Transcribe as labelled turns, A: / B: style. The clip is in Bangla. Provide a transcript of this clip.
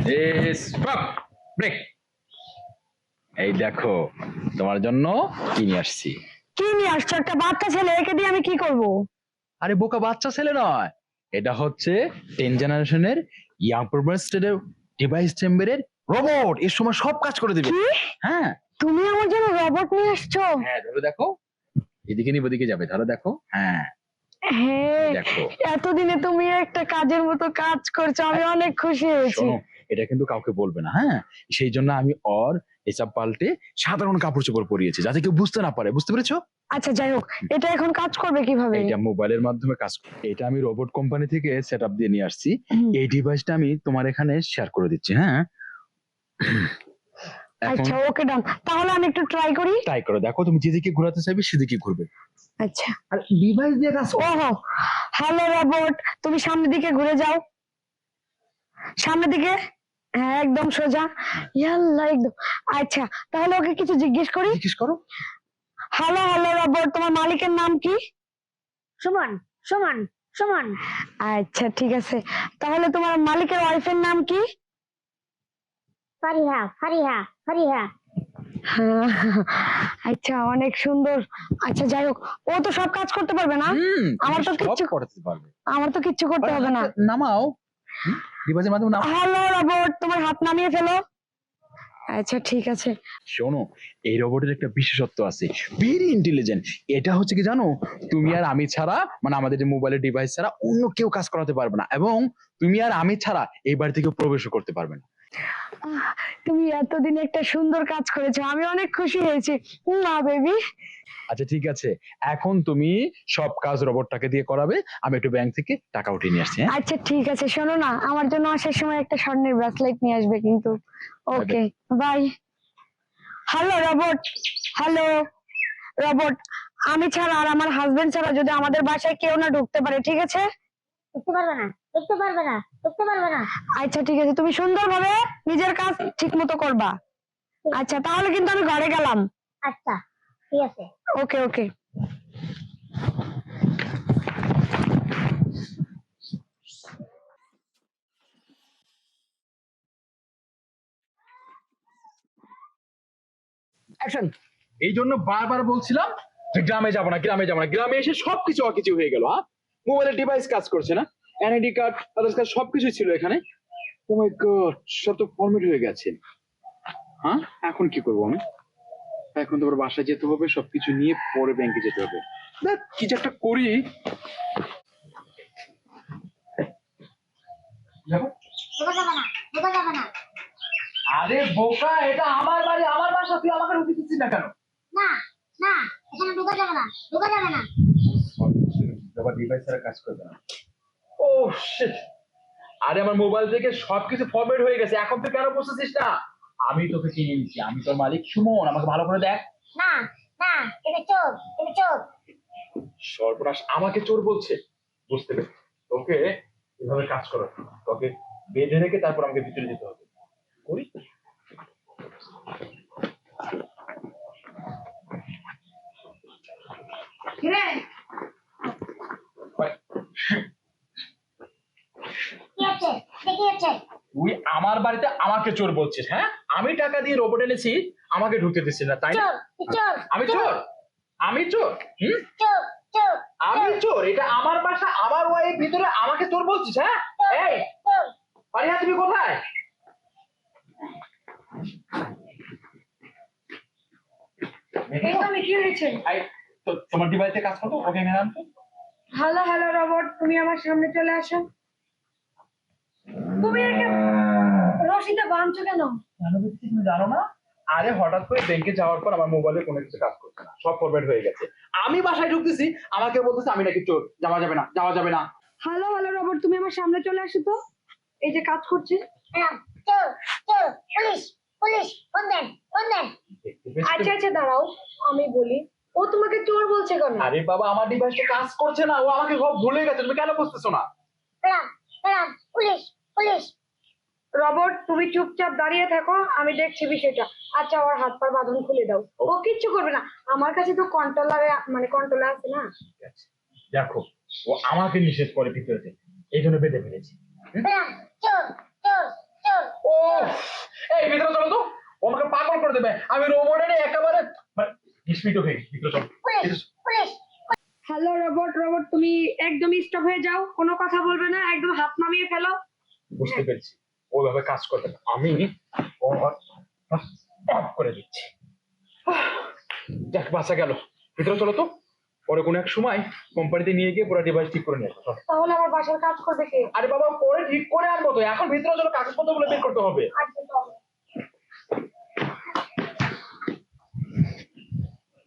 A: Stop, break. এই দেখো তোমার জন্য কি নিয়ে আসছি।
B: কি নিয়ে আসছো? একটা বাচ্চা ছেলে, একে দিয়ে আমি কি করব?
A: আরে বোকা, বাচ্চা ছেলে নয়, এটা হচ্ছে 10 জেনারেশনের ইয়াং প্রোগ্রেসিভ ডিভাইস চেম্বারের রোবট। এর সময় সব কাজ করে দিবে।
B: কি?
A: হ্যাঁ
B: তুমি আমার জন্য রোবট নিয়ে আসছো?
A: হ্যাঁ, ধরো দেখো, এদিকে নিয়ে ওদিকে যাবে, ধরো দেখো। হ্যাঁ
B: হ্যাঁ,
A: দেখো,
B: এতদিনে তুমি একটা কাজের মতো কাজ করছো, আমি অনেক খুশি হয়েছি।
A: শোনো, এটা কিন্তু কাউকে বলবে না, হ্যাঁ? সেই জন্য আমি ওর এসব পাল্টে সাধারণ কাপড় চোপড় পরিয়েছি, যাতে কেউ বুঝতে না পারে। বুঝতে পেরেছো?
B: আচ্ছা যাই হোক, এটা এখন কাজ করবে কিভাবে?
A: এটা মোবাইলের মাধ্যমে কাজ করে। এটা আমি রোবট কোম্পানি থেকে সেট আপ দিয়ে নিয়ে আসছি।
B: হুম।
A: এই ডিভাইসটা আমি তোমার এখানে শেয়ার করে দিচ্ছি। হ্যাঁ, এখন
B: আচ্ছা ওকে ডান, তাহলে আমি একটু ট্রাই করি।
A: ট্রাই করো, দেখো তুমি যেদিকে ঘোরাতে চাইবে সেদিকে ঘুরবে।
B: আচ্ছা,
A: আর ডিভাইস দিয়ে কাজ করো।
B: ওহো, হ্যালো রোবট, তুমি সামনের দিকে ঘুরে যাও, সামনের দিকে। হ্যাঁ একদম সোজা, ইয়াল্লা একদম। আচ্ছা, তাহলে ওকে কিছু জিজ্ঞেস করি।
A: জিজ্ঞেস করো।
B: হ্যালো হ্যালো রোবট, তোমার মালিকের নাম কি?
C: সুমন সুমন সুমন।
B: আচ্ছা ঠিক আছে, তাহলে তোমার মালিকের ওয়াইফের নাম কি?
C: ফারিহা ফারিহা ফারিহা।
B: আচ্ছা অনেক সুন্দর। আচ্ছা যাই হোক, ও তো সব কাজ করতে পারবে না? আমার তো
A: সব
B: কিচ্ছু
A: করতে পারবে।
B: আমার তো কিচ্ছু করতে হবে না।
A: নামাও, ডিভাইসের মাধ্যমে নামাও।
B: হ্যালো রোবট, তোমার হাত নামিয়ে ফেলো। আচ্ছা ঠিক আছে।
A: শোনো, এই রোবটের একটা বিশেষত্ব আছে, ভেরি ইন্টেলিজেন্ট। এটা হচ্ছে কি জানো, তুমি আর আমি ছাড়া, মানে আমাদের যে মোবাইলের ডিভাইস ছাড়া অন্য কেউ কাজ করাতে পারবে না, এবং তুমি আর আমি ছাড়া এই বাড়ি থেকে প্রবেশও করতে পারবে না।
B: তুমি এতদিন একটা সুন্দর কাজ করেছো, আমি অনেক খুশি হয়েছি না বেবি।
A: আচ্ছা ঠিক আছে, এখন তুমি সব কাজ রোবটটাকে দিয়ে করাবে। আমি একটু ব্যাংক থেকে টাকা উঠিয়ে নিয়ে আসছি। হ্যাঁ,
B: আচ্ছা ঠিক আছে, শোনো না, আমার জন্য আসার সময় একটা স্বর্ণের ব্রেসলেট নিয়ে আসবে কিন্তু। Okay bye. Hello robot, hello robot, আমি ছাড়া আর আমার হাজবেন্ড ছাড়া যদি আমাদের বাসায় কেউ না ঢুকতে পারে, ঠিক আছে?
C: দেখতে পারবে না দেখতে পারবে না দেখতে পারবে না।
B: আচ্ছা ঠিক আছে, তুমি সুন্দরভাবে নিজের কাজ ঠিক মতো করবা। আচ্ছা তাহলে কিন্তু আমি ঘরে গেলাম।
C: আচ্ছা ঠিক আছে।
B: Okay okay.
A: অ্যাকশন। এই জন্য বারবার বলছিলাম যে গ্রামে যাবো না, গ্রামে যাবো না। গ্রামে এসে সবকিছু অকিছু হয়ে গেল। হ্যাঁ, মোবাইলের ডিভাইস কাজ করছে না, এনআইডি কার্ড, আধার কার্ড সবকিছু ছিল এখানে। ও মাই গড, সব তো ফরম্যাট হয়ে গেছে। হ্যাঁ, এখন কি করবো আমি? এখন তো আবার বাসায় যেতে হবে, সবকিছু নিয়ে পরে ব্যাংকে যেতে হবে। দেখ কিছু একটা করি। যাবো?
C: ঢোকা যাবে না ঢোকা যাবে না।
A: আরে বোকা, এটা আমার বাড়ি, আমার বাসা, তুই আমাকে রুটি দিচ্ছিস না কেন?
C: না না, এখানে ঢোকা যাবে না ঢোকা যাবে না।
A: আবার ডিভাইস ছাড়া কাজ করবে না। ও শিট, আরে আমার মোবাইল থেকে সবকিছু ফরম্যাট হয়ে গেছে, এখন তুই কেন বুঝতেছিস না? আমি তোকে চিনি নিচ্ছি, আমি তোর মালিক সুমন, আমাকে ভালো করে দেখ।
C: না না, তুমি চোর তুমি চোর।
A: সর্বনাশ, আমাকে চোর বলছে? বুঝতে পেরেছি, তোকে এভাবে কাজ করো, তোকে বেঁধে রেখে তারপর আমাকে ভিতরে যেতে হবে। করি।
B: কিরে,
C: কি আছে দেখি আছে।
A: তুই আমার বাড়িতে আমাকে চোর বলছিস? হ্যাঁ, আমি টাকা দিয়ে রোবট এনেছি, আমাকে ঢুকতে দিচ্ছিস না, তাই না?
C: চোর তুই চোর।
A: আমি চোর? আমি চোর?
C: চোর চোর
A: আমি চোর? এটা আমার বাসা, আমার ওয়াইফ ভিতরে, আমাকে চোর বলছিস? হ্যাঁ, এই
C: চোর।
A: পারিহা, তুমি কোথায়?
B: কি হয়েছে?
A: এই, তোমার ডিভাইসে কাজ করতো, ওকে এখানে আনতো।
B: হ্যালো হ্যালো রোবট, তুমি আমার সামনে চলে আসো। তুমি একে রশিদে বাঁধছো কেন?
A: কেন বুঝছি তুমি জানো না? আরে হঠাৎ করে ব্যাংকে যাওয়ার পর আমার মোবাইলে কোনো কিছু কাজ করছে না, সব ফরম্যাট হয়ে গেছে। আমি বাসায় ঢুকতেছি, আমাকে বলতেছে আমি নাকি চোর, যাওয়া যাবে না, যাওয়া যাবে না।
B: হ্যালো হ্যালো রোবট, তুমি আমার সামনে চলে আসো তো, এই যে কাজ করছে।
C: চোর চোর, পুলিশ পুলিশ, ফোন দেন ফোন দেন।
A: দেখতে পেয়েছো?
B: আচ্ছা আচ্ছা দাঁড়াও, আমি বলি, ও তোমাকে চোর বলছে কেন?
A: আরে বাবা, আমার ডিভাইসটা কাজ করছে না, ও আমাকে সব ভুলে গেছে, তুমি কেন বুঝতেছো না?
C: Madam madam, police police.
B: Robot তুমি চুপচাপ দাঁড়িয়ে থাকো, আমি দেখছি বিষয়টা। আচ্ছা ওর হাত পা বাঁধন খুলে দাও, ও কিচ্ছু করবে না, আমার কাছে তো কন্ট্রোলার আছে না।
A: ঠিক আছে, দেখো, ও আমাকে নিষেধ করে ভিতরে যেতে, এই জন্য বেঁধে ফেলেছি।
C: ম্যাডাম চোর চোর চোর।
A: ও আমি রোবটের একেবারে বিস্মিত হয়ে গেছি। ভিতরে চলো।
C: Police police
B: hello robot, robot তুমি একদম স্টপ হয়ে যাও, কোনো কথা বলবে না, একদম হাত নামিয়ে ফেলো।
A: বুঝতে পেরেছি ওইভাবে কাজ করবে না, আমি অফ করে দিচ্ছি। যাক বাঁচা গেল। ভিতরে চলো তো, পরে কোনো এক সময় কোম্পানিতে নিয়ে গিয়ে পুরো ডিভাইস ঠিক করে নিয়ে আসবো। চলো।
B: তাহলে আমার বাসার কাজ করবে কে?
A: আরে বাবা পরে ঠিক করে আনবো তো, এখন ভিতরে চলো, কাগজপত্র গুলো বের করতে হবে।
B: আচ্ছা